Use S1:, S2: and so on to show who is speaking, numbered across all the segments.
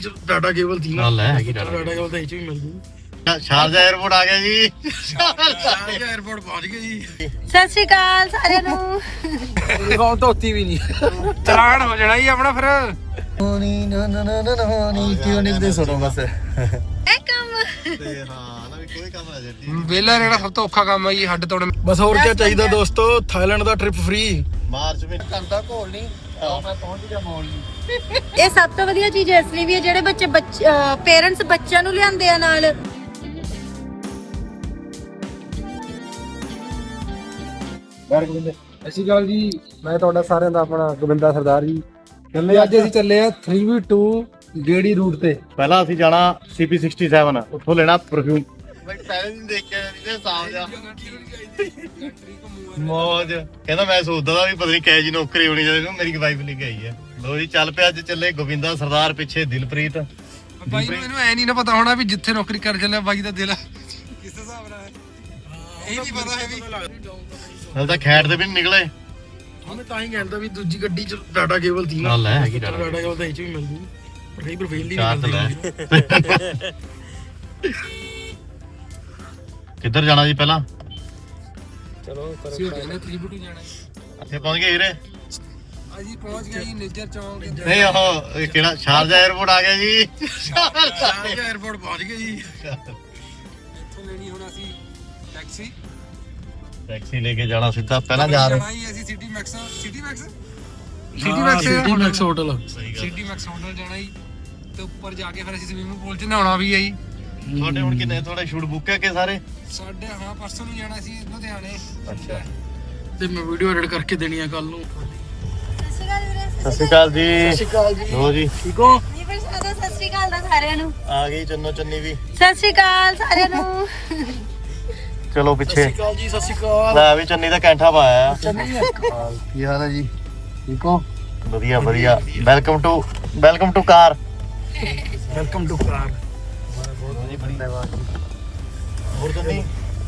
S1: Data cable ਥੀ ਨਾ
S2: ਲੈ ਹੈਗੀ
S1: ਡਾਟਾ ਕੇਬਲ ਤਾਂ ਇਹ ਚ ਵੀ ਮਿਲ ਜੂ।
S2: ਸ਼ਾਰਜਾ 에어ਪੋਰਟ ਆ ਗਿਆ ਜੀ।
S1: ਸ਼ਾਰਜਾ 에어ਪੋਰਟ ਪਹੁੰਚ ਗਏ ਜੀ।
S3: ਸਤਿ ਸ਼੍ਰੀ ਅਕਾਲ ਸਾਰਿਆਂ ਨੂੰ।
S1: ਯੂਨੀਫਾਰਮ ਧੋਤੀ ਵੀ ਨਹੀਂ, ਚਲਾਨ ਹੋ ਜਾਣਾ ਜੀ ਆਪਣਾ ਫਿਰ।
S2: ਨੀ ਨਾ ਨਾ ਨਾ ਨਾ ਨੀ ਕਿਉਂ ਨਹੀਂ ਦੇ ਸੁਣੋ ਬਸ।
S3: ਇਹ ਕੰਮ
S2: ਤੇ ਹਾਂ ਨਾ ਵੀ ਕੋਈ ਕੰਮ ਨਾ ਜੱਟੀ।
S1: ਵੇਲਾ ਰਹਿਣਾ ਸਭ ਤੋਂ ਔਖਾ ਕੰਮ ਹੈ ਜੀ, ਹੱਡ ਤੋੜਨ। ਬਸ ਹੋਰ ਕੀ ਚਾਹੀਦਾ ਦੋਸਤੋ, ਥਾਈਲੈਂਡ ਦਾ ਟ੍ਰਿਪ ਫ੍ਰੀ।
S2: ਮਾਰਚ ਵਿੱਚ ਘੰਟਾ ਘੋਲ ਨਹੀਂ ਮੈਂ ਪਹੁੰਚ ਗਿਆ ਮੌਲ ਨੂੰ।
S3: ਇਹ ਸਭ ਤੋਂ ਵਧੀਆ ਚੀਜ਼ ਇਸ ਲਈ ਵੀ ਹੈ ਜਿਹੜੇ ਬੱਚੇ ਪੇਰੈਂਟਸ ਬੱਚਿਆਂ ਨੂੰ ਲਿਆਂਦੇ ਆ ਨਾਲ।
S1: ਸਤਿ ਸ਼੍ਰੀ ਅਕਾਲ ਜੀ, ਮੈਂ ਤੁਹਾਡਾ ਸਾਰਿਆਂ ਦਾ ਆਪਣਾ ਗੋਬਿੰਦਾ ਸਰਦਾਰ ਜੀ। ਚੱਲੇ ਅੱਜ ਅਸੀਂ ਚੱਲੇ ਆ 3v2 ਗੇੜੀ ਰੂਟ ਤੇ।
S2: ਪਹਿਲਾਂ ਅਸੀਂ ਜਾਣਾ CP67, ਉੱਥੋਂ ਲੈਣਾ ਪਰਫਿਊਮ। ਮੈਂ ਪਹਿਲੇ ਦਿਨ ਦੇਖ ਕੇ ਇਹਦੇ ਸਾਹ ਜਾ ਮੌਜ ਕਹਿੰਦਾ ਮੈਂ ਸੋਚਦਾ ਦਾ ਵੀ ਪਤਾ ਨਹੀਂ ਕਿਹੋ ਜੀ ਨੌਕਰੀ ਹੋਣੀ ਜਦੋਂ ਮੇਰੀ ਵਾਈਫ ਲੈ ਕੇ ਆਈ ਹੈ। ਲੋ ਜੀ ਚੱਲ ਪਿਆ, ਅੱਜ ਚੱਲੇ ਗੋਬਿੰਦਾ ਸਰਦਾਰ, ਪਿੱਛੇ ਦਿਲਪ੍ਰੀਤ।
S1: ਬਾਈ ਨੂੰ ਇਹਨੂੰ ਐ ਨਹੀਂ ਨਾ ਪਤਾ ਹੋਣਾ ਵੀ ਜਿੱਥੇ ਨੌਕਰੀ ਕਰ ਚੱਲਿਆ ਬਾਈ ਦਾ ਦਿਲ ਕਿਸ ਹਿਸਾਬ ਨਾਲ ਹੈ, ਇਹ ਨਹੀਂ ਪਤਾ ਹੈ ਵੀ
S2: ਹਲ ਤਾਂ ਖੈੜ ਦੇ ਵੀ ਨੀ ਨਿਕਲੇ।
S1: ਉਹਨੇ ਤਾਂ ਹੀ ਕਹਿੰਦਾ ਵੀ ਦੂਜੀ ਗੱਡੀ ਚ ਡਾਟਾ ਕੇਬਲ ਥੀ ਨਾ।
S2: ਲੈ ਹੈਗੀ
S1: ਡਾਟਾ ਕੇਬਲ ਤਾਂ ਇਹ ਚ ਵੀ ਮਿਲ ਜੂ, ਪਰ ਕਈ ਵਾਰ ਫੇਲ ਦੀ
S2: ਚਾਰ
S1: ਨਹੀਂ
S2: ਤਾਂ
S1: ਮਿਲਦੀ।
S2: ਕਿੱਧਰ ਜਾਣਾ ਜੀ ਪਹਿਲਾਂ?
S1: ਚਲੋ ਅਸੀਂ ਕਹਿੰਦੇ 3v2 ਜਾਣਾ।
S2: ਇੱਥੇ ਪਹੁੰਚ ਗਏ ਹੀਰੇ।
S1: ਅਸੀਂ ਪਹੁੰਚ ਗਏ ਜੀ ਨੇਜਰ ਚੌਂਕ।
S2: ਨਹੀਂ ਉਹ ਕਿਹੜਾ ਸ਼ਾਰਜਾ 에어ਪੋਰਟ ਆ ਗਿਆ ਜੀ।
S1: ਸ਼ਾਰਜਾ 에어ਪੋਰਟ ਪਹੁੰਚ ਗਏ ਜੀ। ਇੱਥੋਂ ਲੈਣੀ ਹੁਣ ਅਸੀਂ ਟੈਕਸੀ।
S2: ਟੈਕਸੀ ਲੈ ਕੇ ਜਾਣਾ ਸਿੱਧਾ, ਪਹਿਲਾਂ ਜਾ ਰਹੇ
S1: ਅਸੀਂ City Max hotel. City Max hotel ਜਾਣਾ ਜੀ, ਤੇ ਉੱਪਰ ਜਾ ਕੇ ਫਿਰ ਅਸੀਂ ਸਵਿਮਿੰਗ ਪੂਲ 'ਚ ਨਹਾਉਣਾ ਵੀ ਹੈ ਜੀ।
S2: ਤੁਹਾਡੇ ਹੁਣ ਕਿੰਨੇ ਤੁਹਾਡੇ ਸ਼ੂਟ ਬੁੱਕ ਹੈ ਕਿ ਸਾਰੇ?
S1: ਸਾਡੇ ਹਾਂ ਪਰਸੋਂ ਨੂੰ ਜਾਣਾ ਸੀ ਲੁਧਿਆਣੇ।
S2: ਅੱਛਾ,
S1: ਤੇ ਮੈਂ ਵੀਡੀਓ ਐਡਿਟ ਕਰਕੇ ਦੇਣੀ ਆ ਕੱਲ ਨੂੰ।
S3: ਸਤਿ ਸ਼੍ਰੀ ਅਕਾਲ ਵੀਰੇ।
S2: ਸਤਿ ਸ਼੍ਰੀ ਅਕਾਲ ਜੀ।
S1: ਸਤਿ ਸ਼੍ਰੀ ਅਕਾਲ ਜੀ।
S2: ਲੋ ਜੀ
S1: ਠੀਕ ਹੋ?
S3: ਜੀ ਫਿਰ ਸਤਿ ਸ਼੍ਰੀ ਅਕਾਲ ਦਾ ਸਾਰਿਆਂ ਨੂੰ।
S2: ਆ ਗਈ ਚੰਨੋ ਚੰਨੀ ਵੀ।
S3: ਸਤਿ ਸ਼੍ਰੀ ਅਕਾਲ ਸਾਰਿਆਂ ਨੂੰ।
S2: ਚਲੋ
S1: ਸਤਿ
S2: ਪਿੱਛੇ
S1: ਸ਼੍ਰੀ ਅਕਾਲ ਜੀ। ਸਤਿ ਸ਼੍ਰੀ ਅਕਾਲ।
S2: ਲੈ ਵੀ ਚੰਨੀ ਦਾ ਕੈਂਠਾ ਪਾਇਆ।
S1: ਕੀ ਹਾਲ ਹੈ ਜੀ? ਠੀਕ ਹੋ?
S2: ਵਧੀਆ ਵਧੀਆ। Welcome to car.
S1: Welcome to car.
S2: ਹੋਰ ਚੰਨੀ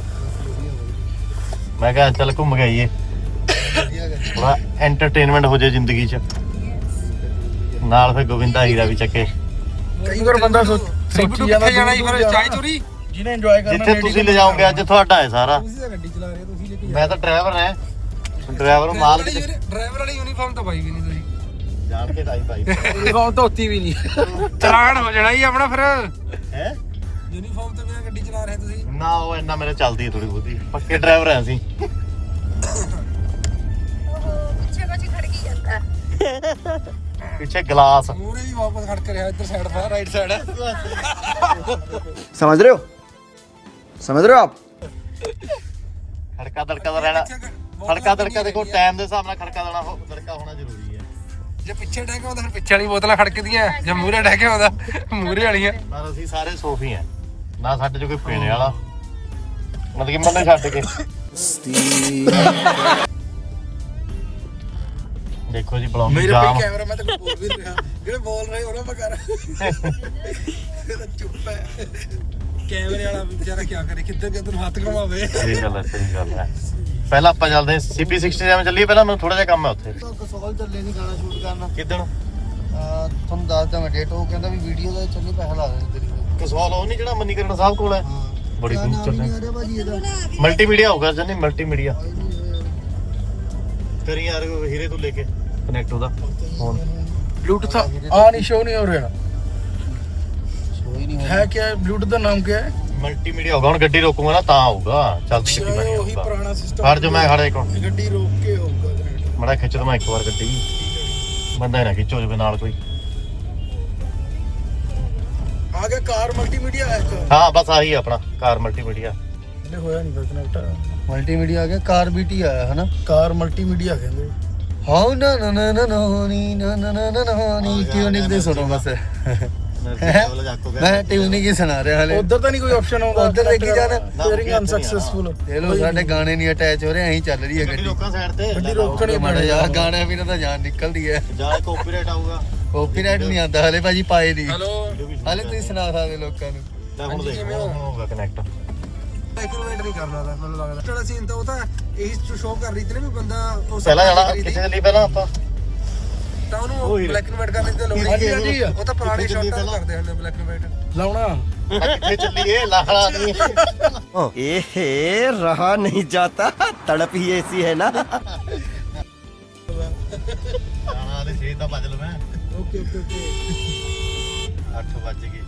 S2: ਮੈਂ ਕਿਹਾ ਚੱਲ ਘੁੰਮ ਕੇ ਆਈਏ, ਥੋੜਾ ਐਂਟਰਟੇਨਮੈਂਟ ਹੋ ਜਾਏ ਜ਼ਿੰਦਗੀ 'ਚ। ਨਾਲ ਫਿਰ ਗੋਬਿੰਦਾ ਹੀਰਾ ਵੀ ਚੱਕੇ।
S1: ਕਈ ਵਾਰ ਬੰਦਾ ਸੋਚੀ ਜਾਂਦਾ ਜਾਣਾ ਫਿਰ ਚਾਹ ਚੋਰੀ ਜਿਹਨੇ ਇੰਜੋਏ ਕਰਨਾ।
S2: ਜਿੱਥੇ ਤੁਸੀਂ ਲੈ ਜਾਓਗੇ ਅੱਜ ਤੁਹਾਡਾ ਹੈ ਸਾਰਾ।
S1: ਤੁਸੀਂ ਤਾਂ ਗੱਡੀ ਚਲਾ ਰਹੇ ਹੋ, ਤੁਸੀਂ ਲੈ ਕੇ
S2: ਮੈਂ ਤਾਂ ਡਰਾਈਵਰ ਹਾਂ। ਡਰਾਈਵਰ ਮਾਲ
S1: ਡਰਾਈਵਰ ਵਾਲੀ ਯੂਨੀਫਾਰਮ ਤਾਂ ਪਾਈ ਵੀ ਨਹੀਂ ਤੁਸੀਂ।
S2: ਜਾਣ ਕੇ ਭਾਈ
S1: ਯੂਨੀਫਾਰਮ ਧੋਤੀ ਵੀ ਨਹੀਂ, ਚਲਾਨ ਹੋ ਜਾਣਾ ਜੀ ਆਪਣਾ ਫਿਰ।
S2: ਹੈ
S1: ਯੂਨੀਫਾਰਮ ਤੋਂ ਬਿਨਾਂ ਗੱਡੀ ਚਲਾ ਰਹੇ ਤੁਸੀਂ।
S2: ਨਾ ਉਹ ਇੰਨਾ ਮੇਰੇ ਚੱਲਦੀ ਹੈ ਥੋੜੀ ਬਹੁਤੀ, ਪੱਕੇ ਡਰਾਈਵਰ ਆ ਅਸੀਂ।
S3: ਪਿੱਛੇ ਕੁਝ ਖੜਕੀ ਜਾਂਦਾ।
S2: ਪਿੱਛੇ ਗਲਾਸ।
S1: ਮੂਹਰੇ ਵੀ ਵਾਪਸ ਖੜ ਕੇ ਰਿਹਾ, ਇੱਧਰ ਸਾਈਡ ਫਾ ਰਾਈਟ ਸਾਈਡ।
S4: समझ रहे हो आप?
S2: ਖੜਕਾ ਦੜਕਾ ਦਾ ਰਹਿਣਾ। ਖੜਕਾ ਦੜਕਾ ਦੇਖੋ ਟਾਈਮ ਦੇ ਹਿਸਾਬ ਨਾਲ ਖੜਕਾ ਦੜਕਾ ਹੋਣਾ ਜ਼ਰੂਰੀ ਹੈ।
S1: ਜੇ ਪਿੱਛੇ ਡਹਿ ਕੇ ਆਉਂਦਾ ਫਿਰ ਪਿੱਛੇ ਵਾਲੀ ਬੋਤਲਾਂ ਖੜਕਦੀਆਂ, ਜੇ ਮੂਹਰੇ ਡਹਿ ਕੇ ਆਉਂਦਾ ਮੂਹਰੇ ਵਾਲੀਆਂ।
S2: ਪਰ ਅਸੀਂ ਸਾਰੇ ਸੋਫੀ ਆ ਨਾ, ਸਾਡੇ ਚ ਕੋਈ ਪੀਣੇ ਵਾਲਾ ਮਤਲਬ ਕਿ ਮੰਨੇ ਛੱਡ ਕੇ। ਦੇਖੋ ਜੀ ਬਲੌਗ
S1: ਮੇਰੇ
S2: ਜਾਮ।
S1: ਪੇ ਕੈਮਰਾ ਮੈਂ ਤਾਂ ਕੋਈ ਬੋਲ ਵੀ ਨਹੀਂ ਰਿਹਾ, ਜਿਹੜੇ ਬੋਲ ਰਹੇ ਉਹਨਾਂ ਮੈਂ ਕਰ ਚੁੱਪ ਹੈ। ਕੈਮਰੇ ਵਾਲਾ ਵਿਚਾਰਾ ਕੀ ਕਰੇ, ਕਿੱਧਰ ਨੂੰ ਹੱਥ ਘੁਮਾਵੇ।
S2: ਸਹੀ ਗੱਲ ਹੈ। ਪਹਿਲਾਂ ਆਪਾਂ ਚੱਲਦੇ CP67 ਚੱਲੀਏ। ਪਹਿਲਾਂ ਮੈਨੂੰ ਥੋੜਾ ਜਿਹਾ ਕੰਮ ਹੈ ਉੱਥੇ।
S4: ਕਸੌਲ ਚੱਲੇ ਨਹੀਂ ਗਾਣਾ ਸ਼ੂਟ ਕਰਨਾ।
S2: ਕਿੱਦਣ?
S4: ਤੁਹਾਨੂੰ ਦੱਸਦਾ ਮੈਂ ਡੇਟ। ਉਹ ਕਹਿੰਦਾ ਵੀ ਵੀਡੀਓ ਦਾ ਚੱਲੀ ਪੈਸਾ ਲਾ ਦੇ ਤੇਰੀ।
S2: ਕਸੌਲ ਉਹ ਨਹੀਂ ਜਿਹੜਾ ਮਨੀਕਰਨ ਸਾਹਿਬ ਕੋਲ ਹੈ? ਬੜੀ ਦੂਰ ਚੱਲੇ।
S4: ਅਰੇ ਭਾਜੀ ਇਹਦਾ
S2: ਮਲਟੀਮੀਡੀਆ ਹੋਊਗਾ ਜਨੀ, ਮਲਟੀਮੀਡੀਆ। ਕਰੀ ਯਾਰ ਹੀਰੇ ਤੋਂ ਲੈ ਕੇ ਕਨੈਕਟ ਉਹਦਾ ਫੋਨ।
S1: ब्लूटूथ आ नहीं शो नहीं हो रहा
S4: ਸ਼ੋਈ ਨਹੀਂ
S1: है क्या है? ब्लूटूथ का नाम क्या है?
S2: ਮਲਟੀਮੀਡੀਆ ਹੋਊਗਾ। ਹੁਣ ਗੱਡੀ ਰੋਕੂਗਾ ਨਾ ਤਾਂ ਆਊਗਾ। ਚੱਲ ਕਿੱਥੇ ਬਣੀ
S1: वही
S2: ਹੋਊਗਾ।
S1: पुराना सिस्टम।
S2: ਖੜ ਜਾ ਮੈਂ ਖੜਾ ਇੱਕ
S1: गड्डी रोक के होगा।
S2: ਮੜਾ ਖਿੱਚ ਦਵਾਂ ਇੱਕ ਵਾਰ ਗੱਡੀ। ਬੰਦਾ ਹੀ ਨਾ ਖਿੱਚੋ ਜਵੇ ਨਾਲ ਕੋਈ।
S1: आगे कार मल्टीमीडिया है क्या?
S2: ਹਾਂ ਬਸ ਆਹੀ ਆਪਣਾ ਕਾਰ ਮਲਟੀਮੀਡੀਆ।
S1: ਇਹਨੇ ਹੋਇਆ ਨਹੀਂ ਫਿਰ ਕਨੈਕਟ।
S4: ਮਲਟੀਮੀਡੀਆ ਆ ਗਿਆ, ਕਾਰ ਬੀਟੀ ਆਇਆ ਹਨਾ।
S1: ਕਾਰ ਮਲਟੀਮੀਡੀਆ ਕਹਿੰਦੇ।
S4: ਹਾਂ ਨਾ ਨਾ ਨਾ ਨਾ ਨੀ ਨਾ ਨਾ ਨਾ ਨਾ ਨੀ ਟਿਊਨਿੰਗ ਦੇ ਸੁਣੋ ਬਸ। ਮੈਂ ਟਿਊਨਿੰਗ ਹੀ ਸੁਣਾ ਰਿਹਾ ਹਲੇ।
S1: ਉਧਰ ਤਾਂ ਨਹੀਂ ਕੋਈ ਆਪਸ਼ਨ ਆਉਂਦਾ?
S4: ਉੱਧਰ ਦੇਖੀ ਜਾਣਾ।
S1: Steering unsuccessful.
S4: ਇਹ ਲੋ ਸਾਡੇ ਗਾਣੇ ਨਹੀਂ ਅਟੈਚ ਹੋ ਰਹੇ, ਐਂ ਚੱਲ ਰਹੀ ਹੈ
S2: ਗੱਡੀ
S4: ਗੱਡੀ।
S2: ਲੋਕਾਂ ਸਾਈਡ ਤੇ
S1: ਗੱਡੀ ਰੋਕਣੀ
S4: ਮਾੜਾ ਯਾਰ ਗਾਣਾ ਵੀ ਨਾ ਤਾਂ ਜਾਨ ਨਿਕਲਦੀ ਹੈ।
S2: ਜਾਂ ਕਾਪੀਰਾਈਟ ਆਊਗਾ।
S4: ਕਾਪੀਰਾਈਟ ਨਹੀਂ ਆਉਂਦਾ ਹਲੇ ਭਾਜੀ, ਪਾਏ ਨਹੀਂ
S1: ਹੈਲੋ
S4: ਹਲੇ। ਤੁਸੀਂ ਸੁਣਾ ਸਕਦੇ ਲੋਕਾਂ ਨੂੰ।
S2: ਲੈ ਹੁਣ ਦੇਖ ਹੁਣ ਹੋਊਗਾ ਕਨੈਕਟ।
S1: ਐਕੂਰੇਟ ਨਹੀਂ ਕਰਨਾ ਤਾਂ ਮੈਨੂੰ ਲੱਗਦਾ। ਜਿਹੜਾ ਸੀਨ ਤਾਂ ਉਹ ਤਾਂ ਇਹੀ ਸ਼ੋਅ ਕਰ ਰਹੀ ਸੀ ਨਾ ਵੀ ਬੰਦਾ
S2: ਪਹਿਲਾਂ ਜਾਣਾ ਕਿੱਥੇ ਚੱਲੀ ਪਹਿਲਾਂ ਆਪਾਂ?
S1: ਤਾਂ ਉਹਨੂੰ ਬਲੈਕ ਐਂਡ ਵਾਈਟ ਕਰਨ ਦੀ ਲੋੜ ਨਹੀਂ। ਉਹ ਤਾਂ ਪੁਰਾਣੇ ਸ਼ਾਟਾਂ ਕਰਦੇ ਹਨ ਬਲੈਕ ਐਂਡ ਵਾਈਟ
S4: ਲਾਉਣਾ
S2: ਕਿੱਥੇ ਚੱਲੀਏ ਲਾਲਾ ਨਹੀਂ
S5: एहे रहा नहीं जाता तड़प ही ऐसी है ना
S2: ਲਾਲਾ ਦੇ 6 ਤਾਂ ਵੱਜ ਲਵਾਂ।
S4: ਓਕੇ
S2: 8 ਵੱਜ ਗਏ।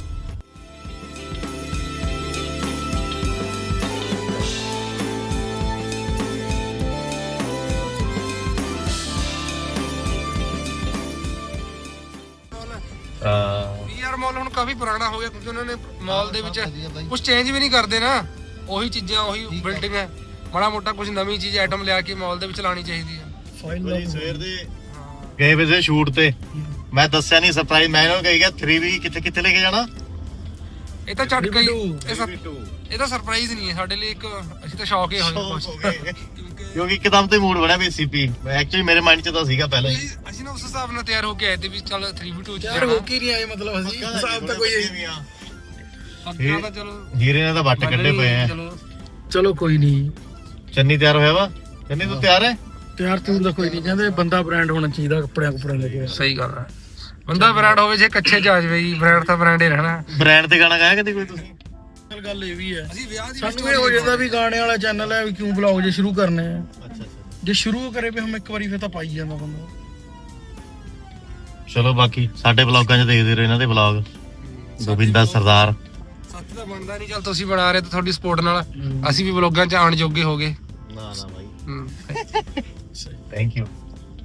S1: ਯਾਰ ਮਾਲ ਹੁਣ ਕਾਫੀ ਪੁਰਾਣਾ ਹੋ ਗਿਆ ਕਿਉਂਕਿ ਉਹਨਾਂ ਨੇ ਮਾਲ ਦੇ ਵਿੱਚ ਕੁਝ ਚੇਂਜ ਵੀ ਨਹੀਂ ਕਰਦੇ ਨਾ। ਉਹੀ ਚੀਜ਼ਾਂ ਉਹੀ ਬਿਲਡਿੰਗ ਹੈ। ਮਾੜਾ ਮੋਟਾ ਕੁਝ ਨਵੀਂ ਚੀਜ਼ ਆਈਟਮ ਲਿਆ ਕੇ ਮਾਲ ਦੇ ਵਿੱਚ ਲਾਣੀ ਚਾਹੀਦੀ ਹੈ।
S2: ਭਾਈ ਸਵੇਰ ਦੇ ਗਏ ਵੇ ਸੀ ਸ਼ੂਟ ਤੇ, ਮੈਂ ਦੱਸਿਆ ਨਹੀਂ ਸਰਪ੍ਰਾਈਜ਼। ਮੈਂ ਇਹਨਾਂ ਨੂੰ ਕਹੀ ਗਿਆ 3V ਕਿੱਥੇ ਲੈ ਕੇ ਜਾਣਾ।
S1: ਇਹ ਤਾਂ ਝਟਕਾ ਹੀ ਇਹ ਤਾਂ ਸਰਪ੍ਰਾਈਜ਼ ਨਹੀਂ ਹੈ ਸਾਡੇ ਲਈ ਇੱਕ, ਅਸੀਂ ਤਾਂ ਸ਼ੌਕ ਹੀ ਹੋਏ
S2: ਕਿਉਂਕਿ ਇੱਕਦਮ ਤੇ ਮੂਡ ਬਣਿਆ ਵੀ ਸੀਪੀ। ਐਕਚੁਅਲੀ ਮੇਰੇ ਮਾਈਂਡ 'ਚ ਤਾਂ ਸੀਗਾ ਪਹਿਲਾਂ ਹੀ।
S1: ਅਸੀਂ ਨਾ ਉਸ ਹਿਸਾਬ ਨਾਲ ਤਿਆਰ ਹੋ ਕੇ ਆਏ ਤੇ ਵੀ ਚੱਲ 3v2 ਚ
S4: ਯਾਰ ਹੋ ਕੇ ਨਹੀਂ ਆਏ ਮਤਲਬ ਅਸੀਂ ਹਿਸਾਬ ਤਾਂ ਕੋਈ
S1: ਪੱਕਾ ਤਾਂ ਚਲੋ
S2: ਜੀਰੇ ਨੇ ਤਾਂ ਵੱਟ ਕੱਢੇ ਪਏ ਆ।
S4: ਚਲੋ ਕੋਈ ਨਹੀਂ।
S2: ਚੰਨੀ ਤਿਆਰ ਹੋਇਆ ਵਾ? ਚੰਨੀ ਤੂੰ ਤਿਆਰ ਹੈ?
S4: ਤਿਆਰ ਤੂਰ ਦਾ ਕੋਈ ਨਹੀਂ, ਕਹਿੰਦੇ ਬੰਦਾ ਬ੍ਰਾਂਡ ਹੋਣਾ ਚਾਹੀਦਾ ਕੱਪੜਿਆਂ ਲੈ ਕੇ।
S1: ਸਹੀ ਗੱਲ ਹੈ, ਬੰਦਾ ਬ੍ਰਾਂਡ ਹੋਵੇ ਜੇ ਕੱਚੇ ਚ ਆ ਜਾਵੇ ਜੀ, ਬ੍ਰਾਂਡ ਤਾਂ ਬ੍ਰਾਂਡ ਹੀ ਰਹਿਣਾ।
S2: ਬ੍ਰਾਂਡ ਤੇ ਗਾਣਾ ਗਾਇਆ ਕਦੇ ਕੋਈ ਤੁਸੀਂ?
S4: ਗੱਲ ਇਹ ਵੀ ਹੈ,
S1: ਅਸੀਂ ਵਿਆਹ ਦੀ
S4: ਸਾਨੂੰ ਇਹ ਹੋ ਜਾਂਦਾ ਵੀ ਗਾਣੇ ਵਾਲਾ ਚੈਨਲ ਹੈ ਵੀ ਕਿਉਂ ਵਲੌਗ ਜੇ ਸ਼ੁਰੂ ਕਰਨੇ ਆ।
S2: ਅੱਛਾ
S4: ਜੇ ਸ਼ੁਰੂ ਕਰੇ ਵੀ ਹਮ ਇੱਕ ਵਾਰੀ ਫਿਰ ਤਾਂ ਪਾਈ ਜਾਂਦਾ ਬੰਦਾ।
S2: ਚਲੋ ਬਾਕੀ ਸਾਡੇ ਵਲੌਗਾਂ 'ਚ ਦੇਖਦੇ ਰਹੋ ਇਹਨਾਂ ਦੇ ਵਲੌਗ। ਗੋਬਿੰਦਾ ਸਰਦਾਰ
S1: ਸੱਚ ਤਾਂ ਬਣਦਾ ਨਹੀਂ, ਚੱਲ ਤੁਸੀਂ ਬਣਾ ਰਹੇ ਤਾਂ ਤੁਹਾਡੀ ਸਪੋਰਟ ਨਾਲ ਅਸੀਂ ਵੀ ਵਲੌਗਾਂ 'ਚ ਆਉਣ ਜੋਗੇ ਹੋ ਗਏ।
S2: ਨਾ
S1: ਬਾਈ
S2: ਥੈਂਕ ਯੂ।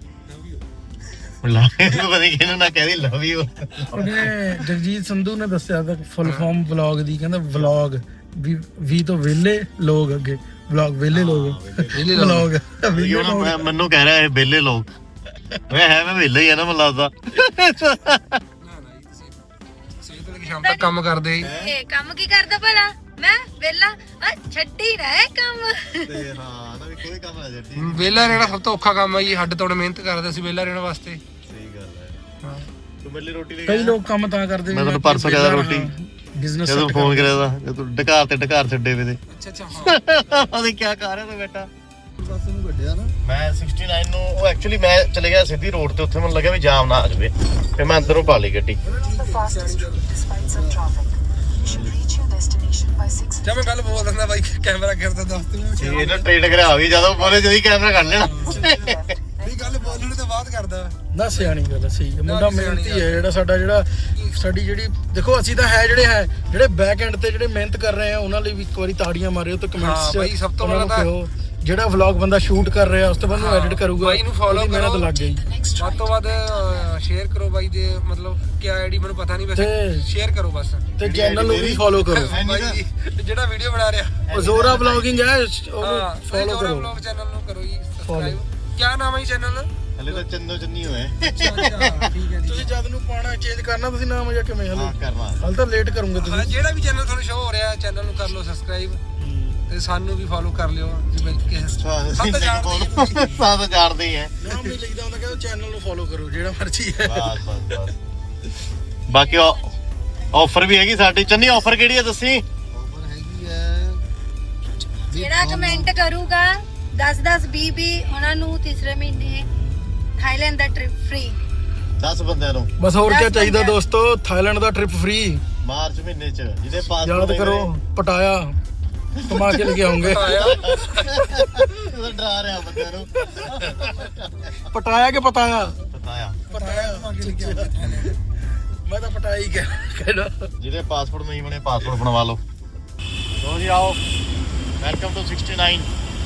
S2: ਲਵ ਯੂ ਪਤਾ ਨਹੀਂ ਕਿਹਨੂੰ ਨਾ ਕਹਿ ਦੀ ਲਵ ਯੂ।
S4: ਉਹਨੇ ਜਗਜੀਤ ਸੰਧੂ ਨੇ ਦੱਸਿਆ ਤਾਂ ਫੁੱਲ ਫਾਰਮ ਵਲੌਗ ਦੀ, ਕਹਿੰਦਾ ਵਲੌਗ ਵੀ ਤੋਂ ਵਿਹਲੇ ਲੋਕ ਅੱਗੇ ਵਲੌਗ ਵਿਹਲੇ ਲੋਕ ਵਲੌਗ
S2: ਮੈਨੂੰ ਕਹਿ ਰਿਹਾ ਇਹ ਵਿਹਲੇ ਲੋਕ। ਮੈਂ ਵਿਹਲੇ ਹੀ ਆ ਨਾ ਮੈਨੂੰ ਲੱਗਦਾ।
S1: ਸਵੇਰ ਤੋਂ ਸ਼ਾਮ ਤੱਕ ਕੰਮ ਕਰਦੇ
S3: ਇਹ ਕੰਮ ਕੀ ਕਰਦਾ ਭਲਾ? ਮੈਂ ਵੇਲਾ ਛੱਡੀ ਨਾ ਇਹ ਕੰਮ।
S2: ਤੇ ਹਾਂ ਨਾ ਵੀ ਕੋਈ ਕੰਮ ਨਾ ਜੱਟੀ।
S1: ਵਿਹਲਾ ਰਹਿਣਾ ਸਭ ਤੋਂ ਔਖਾ ਕੰਮ ਹੈ ਜੀ, ਹੱਡ ਤੋੜ ਮਿਹਨਤ ਕਰਦੇ ਅਸੀਂ ਵਿਹਲਾ ਰਹਿਣ ਵਾਸਤੇ।
S2: ਸਹੀ ਗੱਲ ਹੈ। ਤੂੰ ਮੇਰੇ ਲਈ ਰੋਟੀ ਲੈ ਕੇ
S4: ਕਈ ਲੋਕ ਕੰਮ ਤਾਂ ਕਰਦੇ
S2: ਮੈਂ ਤੁਹਾਨੂੰ ਪਰਸੋਂ ਕਹਿੰਦਾ ਰੋਟੀ
S4: ਬਿਜ਼ਨਸ
S2: ਜਦੋਂ ਫੋਨ ਕਰਿਆ ਤਾਂ ਜਦੋਂ ਢਕਾਰ ਛੱਡੇ ਵੇ ਤੇ
S1: ਅੱਛਾ ਹਾਂ
S2: ਉਹਦੇ ਕੀ ਕਰ ਰਿਹਾ ਤੂੰ ਬੇਟਾ? ਮੈਂ 69 ਨੂੰ ਉਹ ਐਕਚੁਅਲੀ ਮੈਂ ਚਲੇ ਗਿਆ ਸਿੱਧੀ ਰੋਡ ਤੇ, ਉੱਥੇ ਮੈਨੂੰ ਲੱਗਿਆ ਵੀ ਜਾਮ ਨਾ ਆ ਜਾਵੇ ਤੇ ਮੈਂ ਅੰਦਰੋਂ ਪਾ ਲਈ ਗੱਡੀ।
S1: ਜਦ ਮੈਂ ਗੱਲ ਬੋਲ ਦਿੰਦਾ ਬਾਈ ਕੈਮਰਾ ਕਰਦਾ ਦੱਸ ਤੂੰ
S2: ਇਹ ਨਾ ਟ੍ਰੇਡ ਕਰਾ ਵੀ ਜਦੋਂ ਬੋਲੇ ਜਦੀ ਕੈਮਰਾ ਕੱਢ ਲੈਣਾ।
S1: ਇਹ ਗੱਲ ਬੋਲਣ ਤੋਂ ਬਾਅਦ ਕਰਦਾ
S4: ਨਾ ਸਿਆਣੀ ਗੱਲ ਸਹੀ ਹੈ। ਮੁੰਡਾ ਮਿਹਨਤੀ ਹੈ ਜਿਹੜਾ ਸਾਡੀ ਜਿਹੜੀ ਦੇਖੋ ਅਸੀਂ ਤਾਂ ਹੈ ਜਿਹੜੇ ਬੈਕ ਐਂਡ ਤੇ ਜਿਹੜੇ ਮਿਹਨਤ ਕਰ ਰਹੇ ਆ ਉਹਨਾਂ ਲਈ ਵੀ ਇੱਕ ਵਾਰੀ ਤਾੜੀਆਂ ਮਾਰਿਓ ਤੇ ਕਮੈਂਟਸ 'ਚ
S1: ਬਾਈ ਸਭ ਤੋਂ ਪਹਿਲਾਂ ਤਾਂ
S4: ਜਿਹੜਾ ਵਲੌਗ ਬੰਦਾ ਸ਼ੂਟ ਕਰ ਰਿਹਾ ਉਸ ਤੋਂ ਬਾਅਦ ਨੂੰ ਐਡਿਟ ਕਰੂਗਾ
S1: ਬਾਈ ਨੂੰ follow
S4: ਮਿਹਨਤ
S1: ਕਰੋ।
S4: ਲੱਗ ਗਈ।
S1: ਵੱਧ ਤੋਂ ਵੱਧ ਸ਼ੇਅਰ ਕਰੋ ਬਾਈ ਦੇ, ਮਤਲਬ ਕਿਆ ਆਈਡੀ ਮੈਨੂੰ ਪਤਾ ਨਹੀਂ ਵੈਸੇ, ਸ਼ੇਅਰ ਕਰੋ ਬਸ
S4: ਤੇ ਚੈਨਲ ਨੂੰ ਵੀ ਫੋਲੋ ਕਰੋ।
S1: ਬਾਈ ਜੀ ਜਿਹੜਾ ਵੀਡੀਓ ਬਣਾ ਰਿਹਾ
S4: ਉਹ ਜ਼ੋਰਾ ਵਲੌਗਿੰਗ ਹੈ, ਉਹਨੂੰ ਫੋਲੋ ਕਰੋ।
S1: ਵਲੌਗ ਚੈਨਲ ਨੂੰ ਕਰੋ ਜੀ ਸਬਸਕ੍ਰਾਈਬ। ਕਿਆ ਨਾਮ ਹੈ ਚੈਨਲ?
S2: ਹਲੇ ਤਾਂ ਚੰਨੀ ਹੋਏ
S1: ਠੀਕ ਹੈ ਜੀ।
S4: ਤੁਸੀਂ ਜਦ ਨੂੰ ਪਾਣਾ ਚੇਂਜ ਕਰਨਾ ਤੁਸੀਂ ਨਾਮ ਜਾਂ ਕਿਵੇਂ
S2: ਹਾਂ ਕਰਨਾ।
S4: ਹਾਲ ਤਾਂ ਲੇਟ ਕਰੋਗੇ ਤੁਸੀਂ।
S1: ਜਿਹੜਾ ਵੀ ਚੈਨਲ ਤੁਹਾਨੂੰ ਸ਼ੋ ਹੋ ਰਿਹਾ ਚੈਨਲ ਨੂੰ ਕਰ ਲਓ ਸਬਸਕ੍ਰਾਈਬ ਤੇ ਸਾਨੂੰ ਵੀ ਫੋਲੋ ਕਰ ਲਿਓ ਜਿਵੇਂ ਕਿ
S2: ਸਾਥ ਜਾਣਦੇ ਹੀ ਹੈ।
S4: ਨਾਮ ਨਹੀਂ ਲਿਖਦਾ ਹੁੰਦਾ ਕਿ ਚੈਨਲ ਨੂੰ ਫੋਲੋ ਕਰੋ ਜਿਹੜਾ ਮਰਜ਼ੀ ਹੈ।
S2: ਬਸ ਬਾਕੀ ਆਫਰ ਵੀ ਹੈਗੀ ਸਾਡੀ। ਚੰਨੀ ਆਫਰ ਕਿਹੜੀ ਹੈ ਦੱਸੀ?
S3: ਜਿਹੜਾ ਕਮੈਂਟ ਕਰੂਗਾ 10 20 ਉਹਨਾਂ ਨੂੰ ਤੀਸਰੇ ਮਹੀਨੇ ਥਾਈਲੈਂਡ ਦਾ ਟ੍ਰਿਪ ਫ੍ਰੀ।
S2: 10 ਬੰਦਿਆਂ ਨੂੰ
S4: ਬਸ ਹੋਰ ਕੀ ਚਾਹੀਦਾ ਦੋਸਤੋ, ਥਾਈਲੈਂਡ ਦਾ ਟ੍ਰਿਪ ਫ੍ਰੀ
S2: ਮਾਰਚ ਮਹੀਨੇ ਚ। ਜਿਹਦੇ ਪਾਸ
S4: ਯਾਦ ਕਰੋ ਪਟਾਇਆ ਕਮਾ ਕੇ ਲੈ ਕੇ ਆਉਂਗੇ।
S2: ਡਰਾ ਰਿਹਾ ਬੰਦਿਆਂ ਨੂੰ।
S4: ਪਟਾਇਆ ਕਿ ਪਤਾਇਆ?
S2: ਪਤਾਇਆ
S4: ਮੈਂ ਤਾਂ ਪਟਾਈ ਕਹਿਣਾ।
S2: ਜਿਹਦੇ ਪਾਸਪੋਰਟ ਨਹੀਂ ਬਣੇ ਪਾਸਪੋਰਟ ਬਣਵਾ ਲਓ। ਲੋ ਜੀ ਆਓ, ਵੈਲਕਮ ਟੂ 69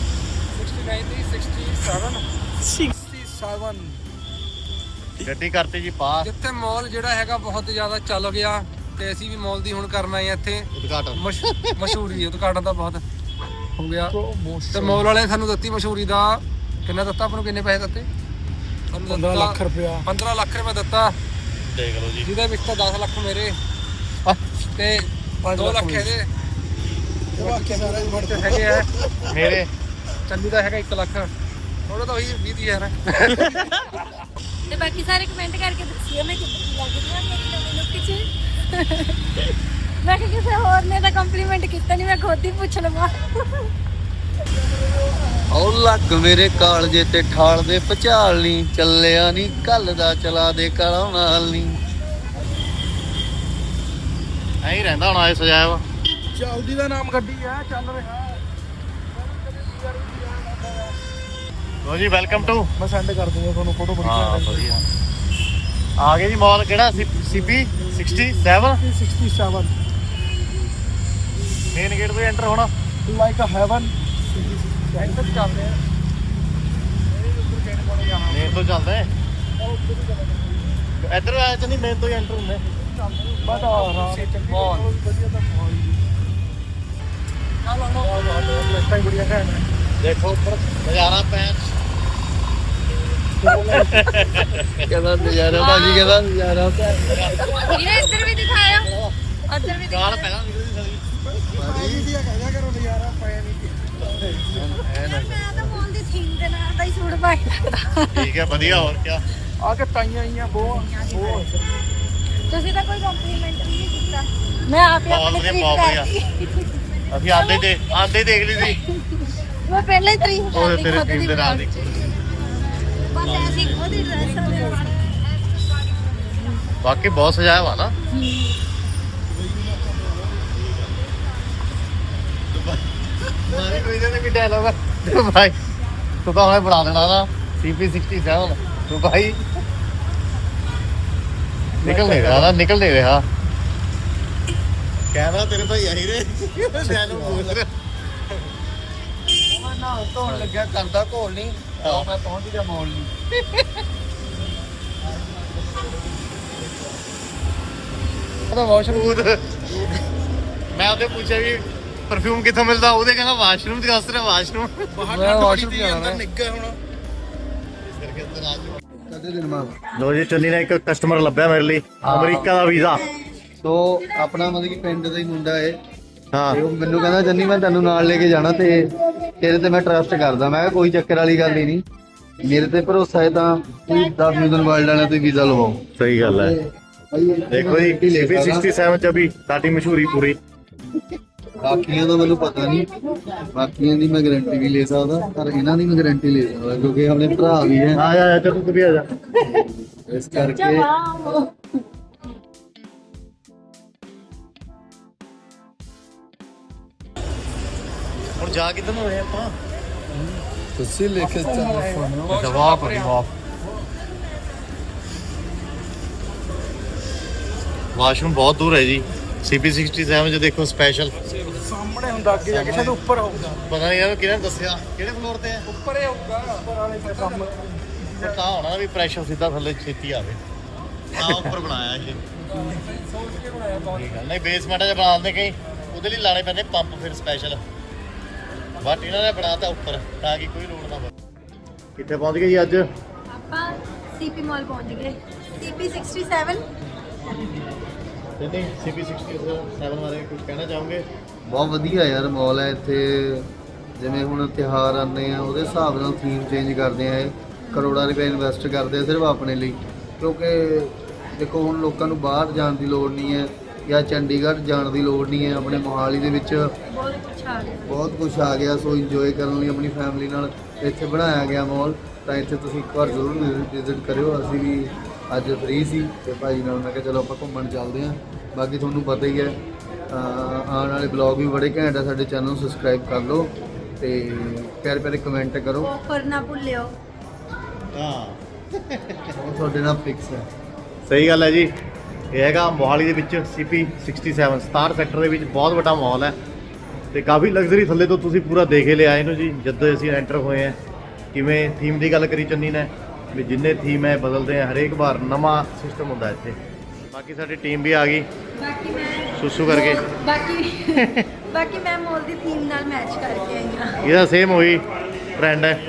S4: 67
S2: ਗੱਡੀ ਕਰਤੀ ਜੀ ਪਾਸ।
S1: ਜਿੱਥੇ ਮਾਲ ਜਿਹੜਾ ਹੈਗਾ ਬਹੁਤ ਜ਼ਿਆਦਾ ਚੱਲ ਗਿਆ ਤੇ ਅਸੀਂ ਵੀ ਮਾਲ ਦੀ ਹੁਣ ਕਰਨਾ ਹੈ ਇੱਥੇ
S2: ਉਦਘਾਟਨ।
S1: ਮਸ਼ਹੂਰੀ ਉਦਘਾਟਨ ਤਾਂ ਬਹੁਤ ਹੋ ਗਿਆ ਤੇ ਮਾਲ ਵਾਲਿਆਂ ਸਾਨੂੰ ਦਿੱਤੀ ਮਸ਼ਹੂਰੀ ਦਾ। ਕਿੰਨਾ ਦਿੱਤਾ ਆਪਾਂ ਨੂੰ? ਕਿੰਨੇ ਪੈਸੇ ਦਿੱਤੇ?
S4: 15 ਲੱਖ ਰੁਪਇਆ।
S1: 15 ਲੱਖ ਰੁਪਏ ਦਿੱਤਾ,
S2: ਦੇਖ ਲਓ ਜੀ।
S1: ਜਿਹਦੇ ਵਿੱਚ ਤਾਂ 10 ਲੱਖ ਮੇਰੇ ਤੇ 2 ਲੱਖ ਇਹਦੇ ਹੈਗੇ ਆ
S2: ਮੇਰੇ।
S1: ਚੰਨੀ ਦਾ ਹੈਗਾ 1 ਲੱਖ, ਥੋੜਾ ਤਾਂ ਉਹੀ 20,000
S3: ਤੇ ਬਾਕੀ ਸਾਰੇ ਕਮੈਂਟ ਕਰਕੇ ਦੱਸਿਓ ਮੈਂ ਕਿੱਦਾਂ ਲੱਗ ਰਹੀ ਹਾਂ ਮੇਰੀ ਨਵੀਂ ਲੁੱਕ 'ਚ। ਮੈਂ ਕਿ ਕਿਸੇ ਹੋਰ ਨੇ ਤਾਂ ਕੰਪਲੀਮੈਂਟ ਕੀਤਾ ਨਹੀਂ, ਮੈਂ ਖੁਦ ਹੀ ਪੁੱਛ ਲਵਾਂ।
S6: ਉਹ ਲੱਕ ਮੇਰੇ ਕਾਲਜੇ ਤੇ ਠਾਲ ਦੇ ਪਚਾਲ ਨਹੀਂ ਚੱਲਿਆ ਨਹੀਂ ਕੱਲ ਦਾ ਚਲਾ ਦੇ ਕਾਲਾ ਨਾਲ ਨਹੀਂ।
S2: ਐਂ ਹੀ ਰਹਿੰਦਾ ਹੁਣ ਆਏ ਸਜਾਇਆ ਵਾ।
S4: ਚੱਲਦੀ ਦਾ ਨਾਮ ਗੱਡੀ ਆ, ਚੱਲ ਰਿਹਾ।
S2: ਲੋ ਜੀ ਵੈਲਕਮ ਟੂ।
S4: ਮੈਂ ਸੈਂਡ ਕਰ ਦੂੰਗਾ ਤੁਹਾਨੂੰ ਫੋਟੋ ਬੜੀ
S2: ਹਾਂ ਵਧੀਆ। ਆ ਗਏ ਜੀ ਮਾਲ ਕਿਹੜਾ CP 67
S4: 67
S2: ਮੇਨ ਗੇਟ ਤੋਂ ਐਂਟਰ ਹੋਣਾ।
S4: ਲਾਈਕ ਅ ਹੈਵਨ ਐਂਟਰ ਚੱਲਦੇ ਆ।
S2: ਮੇਨ ਤੋਂ ਚੱਲਦੇ ਇੱਧਰ ਆਇਆ ਤਾਂ ਨਹੀਂ, ਮੇਨ ਤੋਂ ਹੀ ਐਂਟਰ ਹੁੰਦੇ।
S4: ਬਟ ਆਰਾਮ ਬਹੁਤ ਵਧੀਆ ਤਾਂ ਬਹੁਤ ਬੜੀਆ ਘੈਂਟ ਹੈ।
S2: ਦੇਖੋ ਉੱਪਰ ਨਜ਼ਾਰਾ ਪੈਣ।
S6: ਕਹਿੰਦਾ ਨਜ਼ਾਰਾ ਭਾਜੀ, ਕਹਿੰਦਾ ਨਜ਼ਾਰਾ
S3: ਵੀਰੇ ਇੱਧਰ ਵੀ ਦਿਖਾਇਆ, ਉੱਧਰ ਵੀ
S2: ਗਾਲ
S3: ਦਿਖਾਇਆ।
S2: ਪਹਿਲਾਂ ਨਿਕਲਦੀ ਸਾਰੀ।
S4: ਭਾਜੀ ਦੀ ਕਹਿਆ ਕਰੋ ਨਜ਼ਾਰਾ ਪਾਇਆ ਨਹੀਂ।
S3: ਮੈਂ ਤਾਂ ਮੋਲ ਦੀ ਥੀਮ ਦੇ ਨਾਲ ਦਾ ਹੀ ਸੂਟ ਪਾ ਕੇ ਰੱਖਦਾ।
S2: ਠੀਕ ਹੈ ਵਧੀਆ। ਹੋਰ ਕੀ
S4: ਆ ਕੇ ਟਾਈਆਂ ਆਈਆਂ ਬਹੁਤ।
S3: ਤੁਸੀਂ ਤਾਂ ਕੋਈ ਕੰਪਲੀਮੈਂਟ ਵੀ ਨਹੀਂ ਕੀਤਾ। ਮੈਂ ਆਪ ਹੀ
S2: ਬਹੁਤ
S3: ਆਪਣੀ
S2: ਵਧੀਆ,
S3: ਤਾਰੀਫ
S2: ਬਹੁਤ ਵਧੀਆ।
S3: ਕਰਦੀ।
S2: ਅਸੀਂ ਆਂਦੇ ਦੇਖ ਲਈ ਸੀ।
S3: ਮੈਂ ਪਹਿਲਾਂ ਹੀ ਤਾਰੀਫ
S2: ਉਹ
S3: ਕਰਦੀ
S2: ਤੇਰੇ
S3: ਖੁਦ
S2: ਟੀਮ
S3: ਦੀ
S2: ਦੇ ਨਾਲ
S3: ਵਲੌਗ 'ਚ। ਬਸ ਐਸੀ ਉਹਦੀ ਡਰੈਸ ਦੇ ਨਾਲ।
S2: ਬਾਕੀ ਬਹੁਤ ਸਜਾਇਆ ਵਾ ਨਾ। ਮਾਰੇ ਕੋਈ ਜਿਹਨੇ ਵੀ ਡਾਇਲੌਗ ਭਾਈ ਤੂੰ ਤਾਂ ਹੁਣੇ ਬਣਾ ਦੇਣਾ ਨਾ CP 67 ਤੂੰ ਭਾਈ ਨਿਕਲ ਨਹੀਂ ਰਿਹਾ ਕੈਮਰਾ ਤੇਰੇ ਭਾਈ ਆਹੀ ਰੇ ਡਾਇਲੌਗ ਬੋਲ ਰਿਹਾ।
S6: ਮੈਂ ਨਾ ਧੋਣ ਲੱਗਿਆ ਕਰਦਾ ਘੋਲ ਨਹੀਂ, ਮੈਂ ਪਹੁੰਚ ਗਿਆ ਮੋਲ ਨਹੀਂ।
S2: ਉਹਦਾ ਵਾਸ਼ਰੂਮ ਮੈਂ ਉਹਦੇ ਪੁੱਛਿਆ ਵੀ ਪਰਫਿਊਮ ਕਿੱਥੋਂ ਮਿਲਦਾ, ਉਹਦੇ ਕਹਿੰਦਾ ਵਾਸ਼ਰੂਮ ਤੇ ਦੱਸ ਰਿਹਾ ਵਾਸ਼ਰੂਮ।
S4: ਮੈਂ ਵਾਸ਼ਰੂਮ ਜਾਣਾ ਨਿੱਗਾ ਹੁਣ।
S6: ਕਦੇ ਦਿਨ ਮਾਰ
S2: ਲੋ ਜੀ ਚੰਨੀ ਨੇ ਇੱਕ ਕਸਟਮਰ ਲੱਭਿਆ ਮੇਰੇ ਲਈ, ਅਮਰੀਕਾ ਦਾ ਵੀਜ਼ਾ।
S6: ਸੋ ਆਪਣਾ ਮਤਲਬ ਕਿ ਪਿੰਡ ਦਾ ਹੀ ਮੁੰਡਾ ਏ।
S2: ਹਾਂ
S6: ਤੇ ਉਹ ਮੈਨੂੰ ਕਹਿੰਦਾ ਜੰਨੀ ਮੈਂ ਤੈਨੂੰ ਨਾਲ ਲੈ ਕੇ ਜਾਣਾ ਤੇ ਤੇਰੇ ਤੇ ਮੈਂ ਟਰਸਟ ਕਰਦਾ। ਮੈਂ ਕਿਹਾ ਕੋਈ ਚੱਕਰ ਵਾਲੀ ਗੱਲ ਹੀ ਨਹੀਂ, ਮੇਰੇ ਤੇ ਭਰੋਸਾ ਹੈ ਤਾਂ ਤੁਸੀਂ 10 ਮਿਲੀਅਨ ਵਰਲਡ ਵਾਲਿਆਂ ਤੋਂ ਵੀਜ਼ਾ ਲਵਾਓ।
S2: ਸਹੀ ਗੱਲ ਹੈ। ਦੇਖੋ ਜੀ CP 67 ਚ ਵੀ ਸਾਡੀ ਮਸ਼ਹੂਰੀ ਪੂਰੀ।
S6: ਬਾਕੀਆਂ ਦਾ ਮੈਨੂੰ ਪਤਾ ਨਹੀਂ, ਬਾਕੀਆਂ ਦੀ ਮੈਂ ਗਾਰੰਟੀ ਵੀ ਲੈ ਸਕਦਾ, ਪਰ ਇਹਨਾਂ ਦੀ ਮੈਂ ਗਾਰੰਟੀ ਲੈ ਸਕਦਾ ਕਿਉਂਕਿ ਆਪਣੇ ਭਰਾ ਵੀ ਹੈ।
S2: ਆ ਜਾ ਚੱਲ ਤੂੰ ਵੀ ਆ ਜਾ।
S6: ਇਸ ਕਰਕੇ
S2: ਹੁਣ ਜਾ ਕਿੱਧਰ ਨੂੰ ਹੋਏ ਆਪਾਂ?
S6: ਤੁਸੀਂ ਲੈ ਕੇ ਚੱਲੋ।
S2: ਜਵਾਬ ਵਾਸ਼ਰੂਮ ਬਹੁਤ ਦੂਰ ਹੈ ਜੀ। CP 67 ਚ ਦੇਖੋ ਸਪੈਸ਼ਲ
S4: ਸਾਹਮਣੇ ਹੁੰਦਾ, ਅੱਗੇ ਜਾ ਕੇ ਸ਼ਾਇਦ ਉੱਪਰ ਹੋਊਗਾ।
S2: ਪਤਾ ਨਹੀਂ ਯਾਰ ਕਿਹਨੇ ਦੱਸਿਆ ਕਿਹੜੇ ਫਲੋਰ ਤੇ ਹੈ।
S4: ਉੱਪਰ ਹੀ ਹੋਊਗਾ, ਉੱਪਰ ਵਾਲੇ ਦਾ ਕੰਮ।
S2: ਤਾਂ ਹੋਣਾ ਵੀ ਪ੍ਰੈਸ਼ਰ ਸਿੱਧਾ ਥੱਲੇ ਛੇਤੀ ਆਵੇ। ਆ ਉੱਪਰ ਬਣਾਇਆ ਇਹ ਠੀਕ ਹੈ। ਨਹੀਂ ਬੇਸਮੈਂਟ 'ਚ ਬਣਾ ਦਿੰਦੇ ਕਈ, ਉਹਦੇ ਲਈ ਲਾਣੇ ਪੈਂਦੇ ਪੰਪ ਫਿਰ ਸਪੈਸ਼ਲ। ਬਟ ਇਹਨਾਂ ਨੇ ਬਣਾਤਾ ਉੱਪਰ ਤਾਂ ਕਿ ਕੋਈ ਲੋੜ ਨਾ ਪਵੇ। ਕਿੱਥੇ ਪਹੁੰਚ ਗਏ ਜੀ ਅੱਜ?
S3: ਆਪਾਂ CP ਮਾਲ ਪਹੁੰਚ ਗਏ। CP 67
S2: ਤੇ ਨਹੀਂ CP 67 ਬਾਰੇ ਕੁਝ ਕਹਿਣਾ ਚਾਹੋਗੇ?
S6: ਬਹੁਤ ਵਧੀਆ ਯਾਰ ਮਾਲ ਹੈ ਇੱਥੇ। ਜਿਵੇਂ ਹੁਣ ਤਿਉਹਾਰ ਆਉਂਦੇ ਆ ਉਹਦੇ ਹਿਸਾਬ ਨਾਲ ਥੀਮ ਚੇਂਜ ਕਰਦੇ ਆ। ਇਹ ਕਰੋੜਾਂ ਰੁਪਏ ਇਨਵੈਸਟ ਕਰਦੇ ਆ ਸਿਰਫ ਆਪਣੇ ਲਈ, ਕਿਉਂਕਿ ਦੇਖੋ ਹੁਣ ਲੋਕਾਂ ਨੂੰ ਬਾਹਰ ਜਾਣ ਦੀ ਲੋੜ ਨਹੀਂ ਹੈ ਜਾਂ ਚੰਡੀਗੜ੍ਹ ਜਾਣ ਦੀ ਲੋੜ ਨਹੀਂ ਹੈ। ਆਪਣੇ ਮੋਹਾਲੀ ਦੇ ਵਿੱਚ
S3: ਬਹੁਤ ਕੁਛ ਆ ਗਿਆ।
S6: ਬਹੁਤ ਕੁਝ ਆ ਗਿਆ। ਸੋ ਇੰਜੋਏ ਕਰਨ ਲਈ ਆਪਣੀ ਫੈਮਿਲੀ ਨਾਲ ਇੱਥੇ ਬਣਾਇਆ ਗਿਆ ਮਾਲ। ਤਾਂ ਇੱਥੇ ਤੁਸੀਂ ਇੱਕ ਵਾਰ ਜ਼ਰੂਰ ਵਿਜ਼ਿਟ ਕਰਿਓ। ਅਸੀਂ ਵੀ ਅੱਜ ਫ੍ਰੀ ਸੀ ਤੇ ਭਾਈ ਨਾਲ ਮੈਂ ਕਿਹਾ ਚਲੋ ਆਪਾਂ ਘੁੰਮਣ ਚੱਲਦੇ ਹਾਂ। ਬਾਕੀ ਤੁਹਾਨੂੰ ਪਤਾ ਹੀ ਹੈ ਆਉਣ ਵਾਲੇ ਬਲੌਗ ਵੀ ਬੜੇ ਘੈਂਟ ਆ। ਸਾਡੇ ਚੈਨਲ ਨੂੰ ਸਬਸਕ੍ਰਾਈਬ ਕਰ ਲਓ ਤੇ ਪਿਆਰੇ ਪਿਆਰੇ ਕਮੈਂਟ ਕਰੋ।
S3: ਆਫਰ ਨਾ ਭੁੱਲਿਓ।
S2: ਹਾਂ
S6: ਉਹ ਤੁਹਾਡੇ ਨਾਲ ਫਿਕਸ ਹੈ।
S2: ਸਹੀ ਗੱਲ ਹੈ ਜੀ। ਇਹ ਹੈਗਾ ਮੋਹਾਲੀ ਦੇ ਵਿੱਚ CP 67 ਸਟਾਰ ਸੈਕਟਰ ਦੇ ਵਿੱਚ ਬਹੁਤ ਵੱਡਾ ਮਾਲ ਹੈ ਤੇ ਕਾਫੀ ਲਗਜ਼ਰੀ ਥੱਲੇ ਤੋਂ ਤੁਸੀਂ ਪੂਰਾ ਦੇਖ ਹੀ ਲਿਆ ਇਹਨੂੰ ਜੀ ਜਦੋਂ ਅਸੀਂ ਐਂਟਰ ਹੋਏ ਆ। ਕਿਵੇਂ ਥੀਮ ਦੀ ਗੱਲ ਕਰੀ ਚੰਨੀ ਨੇ ਵੀ ਜਿੰਨੇ ਥੀਮ ਹੈ ਬਦਲਦੇ ਆ ਹਰੇਕ ਵਾਰ ਨਵਾਂ ਸਿਸਟਮ ਹੁੰਦਾ ਇੱਥੇ। ਬਾਕੀ ਸਾਡੀ ਟੀਮ ਵੀ ਆ ਗਈ
S3: ਬਾਕੀ ਮੈਂ
S2: ਸੁਸੂ ਕਰਕੇ।
S3: ਬਾਕੀ ਮੈਂ ਮੋਲ ਦੀ ਥੀਮ ਨਾਲ ਮੈਚ ਕਰਕੇ ਆਈ ਹਾਂ।
S2: ਇਹਦਾ ਸੇਮ ਉਹੀ ਟ੍ਰੈਂਡ ਹੈ।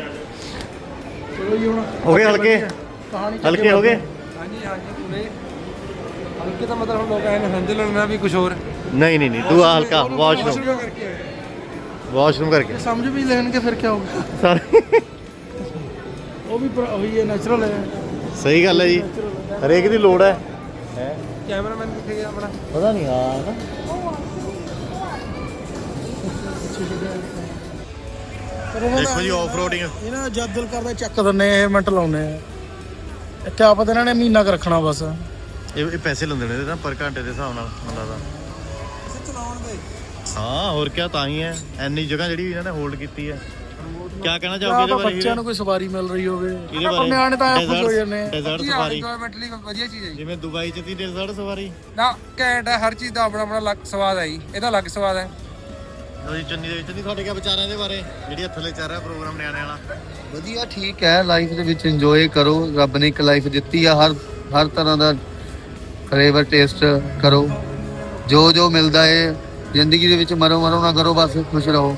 S4: ਚਲੋ ਜੀ ਹੁਣ
S2: ਹੋ ਗਏ ਹਲਕੇ
S4: ਕਹਾਣੀ
S2: ਹਲਕੇ ਹੋ ਗਏ।
S1: ਹਾਂਜੀ ਪੂਰੇ ਹਲਕੇ ਤਾਂ ਮਤਲਬ ਹੁਣ ਲੋਕ ਐਂ ਸਮਝ ਲੈਣਾ ਵੀ ਕੁਝ ਹੋਰ।
S2: ਨਹੀਂ ਤੂੰ ਆ ਹਲਕਾ ਵਾਸ਼ਰੂਮ
S4: ਕਰਕੇ ਆਏ।
S2: ਵਾਸ਼ਰੂਮ ਕਰਕੇ
S4: ਸਮਝ ਵੀ ਲੈਣਗੇ ਫਿਰ ਕੀ ਹੋਊਗਾ।
S2: ਸਾਰੇ
S4: ਉਹ ਵੀ ਉਹੀ ਹੈ, ਨੈਚੁਰਲ ਹੈ।
S2: ਸਹੀ ਗੱਲ ਹੈ ਜੀ। ਹਰੇਕ ਦੀ ਲੋੜ ਹੈ।
S1: ਕੈਮਰਾਮੈਨ ਕਿੱਥੇ ਗਿਆ ਆਪਣਾ?
S2: ਪਤਾ ਨਹੀਂ ਆ ਦੇਖੋ ਜੀ ਆਫ ਰੋਡਿੰਗ।
S4: ਇਹਨਾਂ ਜਦ ਦਿਲ ਕਰਦਾ ਚੱਕ ਦਿੰਨੇ ਇਹ ਮਿੰਟ ਲਾਉਨੇ ਆ। ਇੱਥੇ ਆਪਾਂ ਤਾਂ ਇਹਨਾਂ ਨੇ ਮਹੀਨਾ ਕੁ ਰੱਖਣਾ ਬਸ।
S2: ਇਹ ਪੈਸੇ ਲੈਂਦੇ ਨੇ ਇਹਦੇ ਤਾਂ ਪਰ ਘੰਟੇ ਦੇ ਹਿਸਾਬ ਨਾਲ ਹੁੰਦਾ ਦਾ।
S4: ਚਲਾਉਣਗੇ
S2: ਹਾਂ ਹੋਰ ਕੀ, ਤਾਂ ਹੀ ਹੈ ਇੰਨੀ ਜਗ੍ਹਾ ਜਿਹੜੀ ਇਹਨਾਂ ਨੇ ਹੋਲਡ ਕੀਤੀ ਹੈ। ਕੀ ਕਹਿਣਾ ਚਾਹੋਗੇ ਇਹਦੇ ਬਾਰੇ?
S4: ਬੱਚਿਆਂ ਨੂੰ ਕੋਈ ਸਵਾਰੀ ਮਿਲ ਰਹੀ ਹੋਵੇ,
S2: ਇਹਦੇ ਬਾਰੇ
S4: ਨਿਆਣੇ ਤਾਂ ਖੁਸ਼ ਹੋ ਜਾਂਦੇ ਆ।
S2: ਡੈਜ਼ਰਟ ਸਫਾਰੀ
S1: ਇੰਜੋਇਮੈਂਟ ਲਈ ਵਧੀਆ ਚੀਜ਼ ਹੈ ਜੀ।
S2: ਜਿਵੇਂ ਦੁਬਈ ਚ ਦੀ ਡੈਜ਼ਰਟ ਸਫਾਰੀ
S1: ਨਾ ਘੈਂਟ ਹੈ, ਹਰ ਚੀਜ਼ ਦਾ ਆਪਣਾ ਆਪਣਾ ਅਲੱਗ ਸਵਾਦ ਹੈ ਜੀ, ਇਹਦਾ ਅਲੱਗ ਸਵਾਦ ਹੈ।
S2: ਲੋ ਜੀ ਚੰਨੀ ਦੇ ਵਿੱਚ ਨਹੀਂ ਤੁਹਾਡੇ ਕੀ ਵਿਚਾਰਾਂ ਇਹਦੇ ਬਾਰੇ, ਜਿਹੜੀ ਥੱਲੇ ਚੱਲ ਰਿਹਾ ਪ੍ਰੋਗਰਾਮ ਨਿਆਣਿਆਂ ਵਾਲਾ?
S6: ਵਧੀਆ ਠੀਕ ਹੈ, ਲਾਈਫ ਦੇ ਵਿੱਚ ਇੰਜੋਏ ਕਰੋ। ਰੱਬ ਨੇ ਇੱਕ ਲਾਈਫ ਦਿੱਤੀ ਆ, ਹਰ ਤਰ੍ਹਾਂ ਦਾ ਫਲੇਵਰ ਟੇਸਟ ਕਰੋ। ਜੋ ਮਿਲਦਾ ਹੈ ਜ਼ਿੰਦਗੀ ਦੇ ਵਿੱਚ, ਮਰੋ ਨਾ ਕਰੋ, ਬਸ ਖੁਸ਼ ਰਹੋ।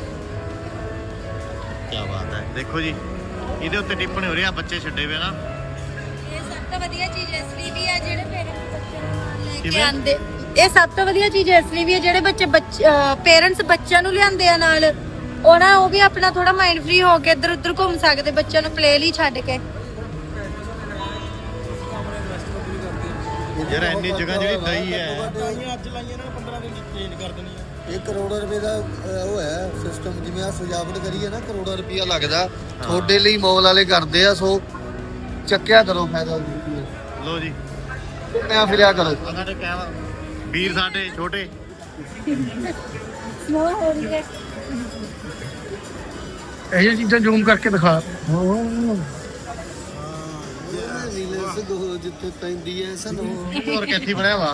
S2: ਕੀ ਬਾਤ ਹੈ। ਦੇਖੋ ਜੀ ਇਹਦੇ ਉੱਤੇ ਟਿੱਪਣੀ ਹੋ ਰਹੀ ਆ, ਬੱਚੇ ਛੱਡੇ ਵੇ ਨਾ।
S3: ਇਹ ਸਭ ਤੋਂ ਵਧੀਆ ਚੀਜ਼ ਇਸ ਲਈ ਵੀ ਹੈ ਜਿਹੜੇ ਪੇਰੈਂਟਸ ਬੱਚਿਆਂ ਨੂੰ ਨਾਲ ਲੈ ਕੇ
S2: ਕਿਵੇਂ?
S3: ਆਉਂਦੇ। ਇਹ ਸਭ ਤੋਂ ਵਧੀਆ ਚੀਜ਼ ਇਸ ਲਈ ਵੀ ਹੈ ਜਿਹੜੇ ਪੇਰੈਂਟਸ ਬੱਚਿਆਂ ਨੂੰ ਲਿਆਉਂਦੇ ਆ ਨਾਲ, ਉਹ ਵੀ ਆਪਣਾ ਥੋੜਾ ਮਾਈਂਡ ਫ੍ਰੀ ਹੋ ਕੇ ਇੱਧਰ ਉੱਧਰ ਘੁੰਮ ਸਕਦੇ, ਬੱਚਿਆਂ ਨੂੰ ਪਲੇ ਲਈ ਛੱਡ ਕੇ।
S2: ਯਾਰ ਇੰਨੀ ਜਗ੍ਹਾ ਜਿਹੜੀ ਦਈ ਹੈ,
S4: ਅੱਜ ਲਾਈਆਂ ਇਹਨਾਂ ਨੇ 15 ਦਿਨ ਚ ਚੇਂਜ ਕਰ ਦੇਣੀ ਆ।
S6: ਇਹ ਕਰੋੜਾਂ ਰੁਪਏ ਦਾ ਉਹ ਹੈ ਸਿਸਟਮ। ਜਿਵੇਂ ਆ ਸਜਾਵਟ ਕਰੀ ਹੈ ਨਾ, ਕਰੋੜਾਂ ਰੁਪਇਆ ਲੱਗਦਾ। ਤੁਹਾਡੇ ਲਈ ਮੌਲ ਵਾਲੇ ਕਰਦੇ ਆ, ਸੋ ਚੱਕਿਆ ਕਰੋ ਫਾਇਦਾ।
S2: ਲੋ ਜੀ
S6: ਘੁੰਮਿਆ ਫਿਰਿਆ ਕਰੋ।
S2: ਸਾਡੇ ਕਹਿਵਾ ਵੀਰ ਸਾਡੇ ਛੋਟੇ
S4: ਇਹ ਚੀਜ਼ਾਂ ਜ਼ੂਮ ਕਰਕੇ ਦਿਖਾ।
S6: ਜਿੱਥੇ ਪੈਂਦੀ ਹੈ ਸਾਨੂੰ
S2: ਹੋਰ ਕਿੱਥੇ ਬਣਿਆ ਵਾ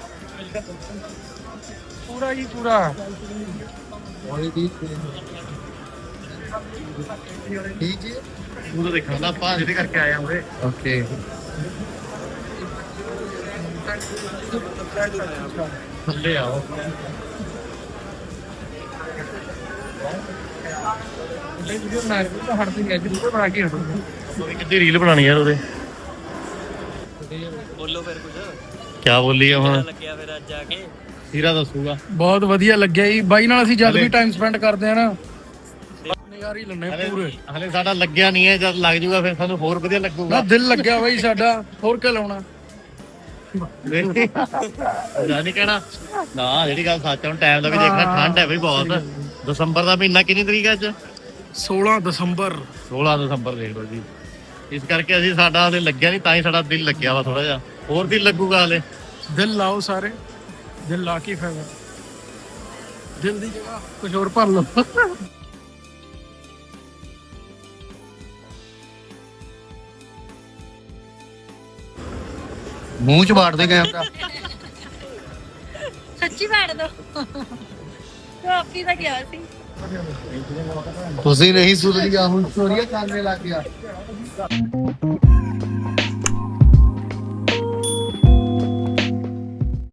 S1: ਪੂਰਾ ਜੀ ਪੂਰਾ।
S6: ਠੀਕ ਜੀ।
S2: ਉਹ ਤਾਂ ਦੇਖਣ ਦਾ ਆਪਾਂ ਜਿਹਦੇ ਕਰਕੇ ਆਏ ਆਂਗੇ।
S6: ਓਕੇ।
S2: ਥੱਲੇ ਆਓ। ਕਿੱਦੀ ਰੀਲ ਬਣਾਣੀ ਯਾਰ ਉਹਦੇ।
S7: ਬੋਲੋ ਫਿਰ ਕੁਝ
S2: ਕੀ ਬੋਲੀ ਆ ਹੁਣ?
S7: ਲੱਗਿਆ ਫਿਰ ਅੱਜ ਆ ਕੇ
S2: ਹੀਰਾ ਦੱਸੂਗਾ।
S4: ਬਹੁਤ ਵਧੀਆ ਲੱਗਿਆ ਜੀ ਬਾਈ ਨਾਲ। ਅਸੀਂ ਜਦ ਵੀ ਟਾਈਮ ਸਪੈਂਡ ਕਰਦੇ ਆ ਨਾ, ਨਜ਼ਾਰੇ ਲੈਣੇ ਪੂਰੇ।
S2: ਹਲੇ ਸਾਡਾ ਲੱਗਿਆ ਨਹੀਂ ਹੈ, ਜਦ ਲੱਗ ਜੂਗਾ ਫਿਰ ਸਾਨੂੰ ਹੋਰ ਵਧੀਆ
S4: ਨਾ
S2: ਲੱਗੂਗਾ।
S4: ਦਿਲ ਲੱਗਿਆ ਬਾਈ ਸਾਡਾ, ਹੋਰ ਕੀ ਲਾਉਣਾ।
S2: ਜਾਨੀ ਕਹਿਣਾ ਨਾ, ਜਿਹੜੀ ਗੱਲ ਸੱਚ ਹੁਣ ਟਾਈਮ ਦਾ ਵੀ ਦੇਖਣਾ। ਠੰਡ ਹੈ ਬਈ ਬਹੁਤ। ਦਸੰਬਰ ਦਾ ਮਹੀਨਾ ਕਿੰਨੀ ਤਰੀਕ ਹੈ ਅੱਜ?
S4: 16 ਦਸੰਬਰ
S2: 16 ਦਸੰਬਰ ਦੇਖ ਲਓ ਜੀ। ਇਸ ਕਰਕੇ ਅਸੀਂ ਸਾਡਾ ਹਲੇ ਲੱਗਿਆ ਨਹੀਂ, ਤਾਂ ਹੀ ਸਾਡਾ ਦਿਲ ਲੱਗਿਆ ਵਾ ਥੋੜਾ ਜਿਹਾ। ਹੋਰ ਦਿਲ ਲੱਗੂਗਾ ਹਲੇ।
S4: ਦਿਲ ਲਾਓ ਸਾਰੇ, ਦਿਲ ਲਾ ਕੇ ਫਾਇਦਾ। ਦਿਲ ਦੀ ਜਗ੍ਹਾ ਕੁਝ ਹੋਰ ਭਰ ਲਓ।
S6: ਮੂੰਹ ਚ ਬਾੜ ਦੇ ਕੈਮਰਾ।
S3: ਸੱਚੀ ਬੈਠ ਦੋ। ਕਾਫੀ ਦਾ ਗਿਆ ਸੀ।
S6: ਤੁਸੀਂ ਨਹੀਂ ਸੁਧਰੀਆ, ਹੁਣ ਚੋਰੀਆਂ ਕਰਨੇ ਲੱਗ ਗਿਆ।